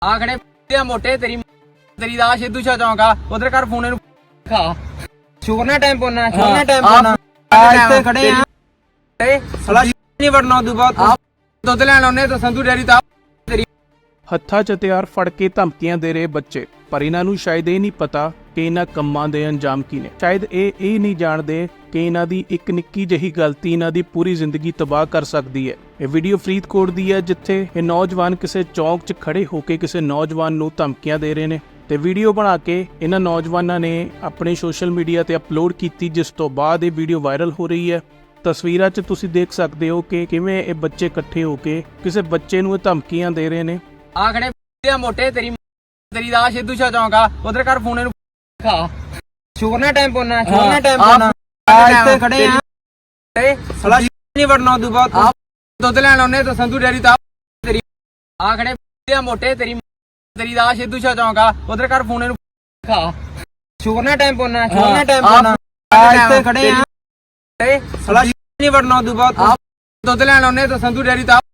ਆ ਖੜੇ ਤੇ ਮੋਟੇ ਤੇਰੀ ਤੇਰੀ ਦਾ ਸਿੱਧੂ ਸ਼ਾ ਚੌਂਕਾ ਉਧਰ ਕਰ ਫੋਨ ਨੂੰ ਖਾ ਸ਼ੁਕਰਨਾ ਟਾਈਮ ਪੋਣਾ ਸ਼ੁਕਰਨਾ ਟਾਈਮ ਪੋਣਾ ਆ ਇੱਥੇ ਖੜੇ ਆ ਤੇ ਸਲਾ ਨਹੀਂ ਵੜਨਾ ਤੂੰ ਬਾਅਦ ਦੁੱਧ ਲੈਣ ਆਉਨੇ ਤਾਂ ਸੰਧੂ ਡੈਰੀ ਤਾਂ ਤੇਰੀ ਹੱਥਾਂ 'ਚ ਹਥਿਆਰ ਫੜ ਕੇ ਧਮਕੀਆਂ ਦੇ ਰਹੇ ਬੱਚੇ, ਪਰ ਇਹਨਾਂ ਨੂੰ ਸ਼ਾਇਦ ਇਹ ਨਹੀਂ ਪਤਾ ਕਿ ਇਹਨਾਂ ਕੰਮਾਂ ਦੇ ਅੰਜਾਮ ਕੀ ਨੇ। ਸ਼ਾਇਦ ਇਹ ਨਹੀਂ ਜਾਣਦੇ ਕਿ ਇਹਨਾਂ ਦੀ ਇੱਕ ਨਿੱਕੀ ਜਿਹੀ ਗਲਤੀ ਇਹਨਾਂ ਦੀ ਪੂਰੀ ਜ਼ਿੰਦਗੀ ਤਬਾਹ ਕਰ ਸਕਦੀ ਹੈ। ਇਹ ਵੀਡੀਓ ਫਰੀਦਕੋਟ ਦੀ ਹੈ, ਜਿੱਥੇ ਇਹ ਨੌਜਵਾਨ ਕਿਸੇ ਚੌਂਕ 'ਚ ਖੜੇ ਹੋ ਕੇ ਕਿਸੇ ਨੌਜਵਾਨ ਨੂੰ ਧਮਕੀਆਂ ਦੇ ਰਹੇ ਨੇ ਤੇ ਵੀਡੀਓ ਬਣਾ ਕੇ ਇਹਨਾਂ ਨੌਜਵਾਨਾਂ ਨੇ ਆਪਣੇ ਸੋਸ਼ਲ ਮੀਡੀਆ ਤੇ ਅਪਲੋਡ ਕੀਤੀ, ਜਿਸ ਤੋਂ ਬਾਅਦ ਇਹ ਵੀਡੀਓ ਵਾਇਰਲ ਹੋ ਰਹੀ ਹੈ। ਤਸਵੀਰਾਂ 'ਚ ਤੁਸੀਂ ਦੇਖ ਸਕਦੇ ਹੋ ਕਿ ਕਿਵੇਂ ਇਹ ਬੱਚੇ ਇਕੱਠੇ ਹੋ ਕੇ ਕਿਸੇ ਬੱਚੇ ਨੂੰ ਇਹ ਧਮਕੀਆਂ ਦੇ ਰਹੇ ਨੇ। ਆ ਖੜੇ ਤੇ ਮੋਟੇ ਤੇਰੀ ਤੇਰੀ ਦਾ ਸਿੱਧੂ ਸ਼ਾ ਚੌਂਕਾ ਉਧਰ ਕਰ ਫੋਨ ਨੂੰ ਖਾ ਸ਼ੁਕਰਨਾ ਟਾਈਮ ਪੋਣਾ ਸ਼ੁਕਰਨਾ ਟਾਈਮ ਪੋਣਾ ਆ ਇੱਥੇ ਖੜੇ ਆ ਤੇ ਸਲਾ ਨਹੀਂ ਵੜਨਾ ਤੂੰ ਬਾਅਦ ਦੁੱਧ ਲੈਣ ਆਉਨੇ ਤਾਂ ਸੰਧੂ ਡੈਰੀ ਤਾਂ ਤੇਰੀ ਆ ਖੜੇ ਤੇ ਮੋਟੇ ਤੇਰੀ ਤੇਰੀ ਦਾ ਸਿੱਧੂ ਸ਼ਾ ਚੌਂਕਾ ਉਧਰ ਕਰ ਫੋਨ ਨੂੰ ਖਾ ਸ਼ੁਕਰਨਾ ਟਾਈਮ ਪੋਣਾ ਸ਼ੁਕਰਨਾ ਟਾਈਮ ਪੋਣਾ ਆ ਇੱਥੇ ਖੜੇ ਆ ਤੇ ਸਲਾ ਨਹੀਂ ਵੜਨਾ ਤੂੰ ਬਾਅਦ ਦੁੱਧ ਲੈਣ ਆਉਨੇ ਤਾਂ ਸੰਧੂ ਡੈਰੀ ਤਾਂ